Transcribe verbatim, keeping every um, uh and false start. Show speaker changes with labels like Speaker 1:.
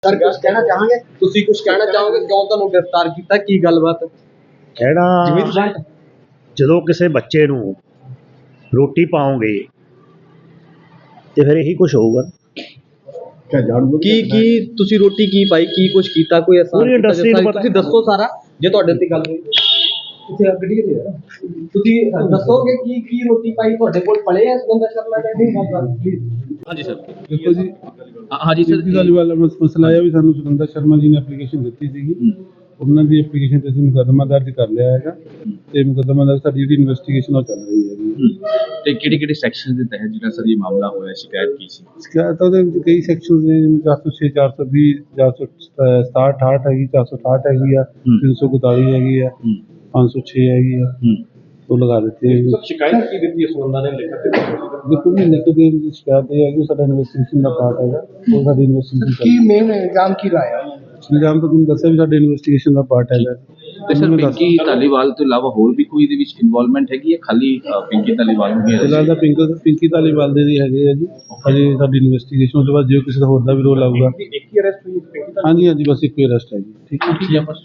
Speaker 1: Sir ਕੁਝ ਕਹਿਣਾ ਚਾਹਾਂਗੇ? ਤੁਸੀਂ ਕੁਝ ਕਹਿਣਾ ਚਾਹੋਗੇ ਕਿਉਂ ਤੁਹਾਨੂੰ ਗ੍ਰਿਫਤਾਰ ਕੀਤਾ, ਕੀ ਗੱਲਬਾਤ?
Speaker 2: ਕਹਿਣਾ, ਜਦੋਂ ਕਿਸੇ ਬੱਚੇ ਨੂੰ ਰੋਟੀ ਪਾਓਗੇ ਤੇ ਫਿਰ ਇਹੀ ਕੁਝ ਹੋਊਗਾ।
Speaker 1: ਕੀ ਕੀ ਤੁਸੀਂ ਰੋਟੀ ਕੀ ਪਾਈ, ਕੀ ਕੁਝ ਕੀਤਾ, ਕੋਈ ਐਸਾ
Speaker 2: ਪੂਰੀ ਇੰਡਸਟਰੀ ਨੂੰ ਪਤਾ।
Speaker 1: ਤੁਸੀਂ ਦੱਸੋ ਸਾਰਾ, ਜੇ ਤੁਹਾਡੇ ਤੇ ਗੱਲ ਹੋਈ ਤੁਸੀਂ ਗੱਡੀ ਤੇ ਆ ਤੁਸੀਂ ਦੱਸੋਗੇ ਕੀ ਕੀ ਰੋਟੀ ਪਾਈ, ਤੁਹਾਡੇ ਕੋਲ ਪੜੇ ਆ ਸੁਰਿੰਦਰ ਸ਼ਰਮਾ ਦੇ? ਹਾਂਜੀ ਸਰ।
Speaker 3: ਦੇਖੋ ਜੀ,
Speaker 1: ਹਾਂਜੀ ਸਰ।
Speaker 3: ਇਸ ਗੱਲ ਵਾਲਾ ਮਸਲਾ ਆਇਆ ਵੀ ਸਾਨੂੰ ਸੁਰਿੰਦਰ ਸ਼ਰਮਾ ਜੀ ਨੇ ਐਪਲੀਕੇਸ਼ਨ ਦਿੱਤੀ ਸੀਗੀ, ਉਹਨਾਂ ਦੀ ਐਪਲੀਕੇਸ਼ਨ ਤੇ ਅਸੀਂ ਮੁਕੱਦਮਾ ਦਰਜ ਕਰ ਲਿਆ ਹੈਗਾ ਤੇ ਮੁਕੱਦਮਾ ਦਰਜ ਸਾਡੀ ਜਿਹੜੀ ਇਨਵੈਸਟੀਗੇਸ਼ਨ ਉਹ ਚੱਲ ਰਹੀ ਹੈਗੀ।
Speaker 1: ਤੇ ਕਿਹੜੇ ਕਿਹੜੇ ਸੈਕਸ਼ਨ ਦੇ ਤਹਿਤ ਜਿਹੜਾ ਸਰ ਇਹ ਮਾਮਲਾ ਹੋਇਆ, ਸ਼ਿਕਾਇਤ ਕੀ ਸੀ?
Speaker 3: ਸ਼ਿਕਾਇਤ ਉਹਦੇ ਵਿੱਚ ਕਈ ਸੈਕਸ਼ਨਸ ਨੇ, ਜਿਵੇਂ ਚਾਰ ਸੌ ਛੇ, ਚਾਰ ਸੌ ਵੀਹ, ਚਾਰ ਸੌ ਸਤਾਹਠ, ਅਠਾਹਠ ਹੈਗੀ, ਚਾਰ ਸੌ ਅਠਾਹਠ ਹੈਗੀ ਆ, ਤਿੰਨ ਸੌ ਇਕਤਾਲੀ ਹੈਗੀ ਆ, ਪੰਜ ਸੌ ਛੇ ਹੈਗੀ ਆ, ਉਹ ਲਗਾ ਦਿੱਤੀ ਹੈ।
Speaker 1: ਸ਼ਿਕਾਇਤ ਕੀ ਦਿੱਤੀ ਇਸ ਬੰਦਾ ਨੇ ਲਿਖ ਕੇ?
Speaker 3: ਦੇਖੋ ਜੀ, ਲਿਖ ਦੇ ਵਿੱਚ ਸ਼ਿਕਾਇਤ ਇਹ ਹੈ ਕਿ ਸਾਡਾ ਇਨਵੈਸਟੀਗੇਸ਼ਨ ਦਾ ਪਾਰਟ ਹੈਗਾ, ਉਹ ਸਾਡੀ ਇਨਵੈਸਟੀਗੇਸ਼ਨ
Speaker 1: ਕੀ ਮੇਨ ਇਲਜ਼ਾਮ ਕੀ ਲਾਇਆ?
Speaker 3: ਇਲਜ਼ਾਮ ਤਾਂ ਤੁਹਾਨੂੰ ਦੱਸਿਆ ਵੀ ਸਾਡੇ ਇਨਵੈਸਟੀਗੇਸ਼ਨ ਦਾ ਪਾਰਟ ਹੈਗਾ।
Speaker 4: ਤੇ ਸਰ ਪਿੰਕੀ ਧਾਲੀਵਾਲ ਤੋਂ ਇਲਾਵਾ ਹੋਰ ਵੀ ਕੋਈ ਇਹਦੇ ਵਿੱਚ ਇਨਵੋਲਵਮੈਂਟ ਹੈਗੀ ਹੈ, ਖਾਲੀ ਪਿੰਕੀ ਧਾਲੀਵਾਲ ਨੂੰ ਹੀ?
Speaker 3: ਫਿਲਹਾਲ ਤਾਂ ਪਿੰਕੀ ਪਿੰਕੀ ਧਾਲੀਵਾਲ ਦੇ ਹੈਗੇ ਆ ਜੀ, ਹਜੇ ਸਾਡੀ ਇਨਵੈਸਟੀਗੇਸ਼ਨ ਉਸ ਤੋਂ ਬਾਅਦ ਜੇ ਕਿਸੇ ਦਾ ਹੋਰ ਦਾ ਵੀ ਰੋਲ ਆਊਗਾ।
Speaker 1: ਇੱਕ ਹੀ ਅਰੈਸਟ ਹੋਈ?
Speaker 3: ਹਾਂਜੀ ਹਾਂਜੀ, ਬਸ ਇੱਕੋ ਹੀ ਅਰੈਸਟ ਹੈ ਜੀ। ਠੀਕ ਹੈ।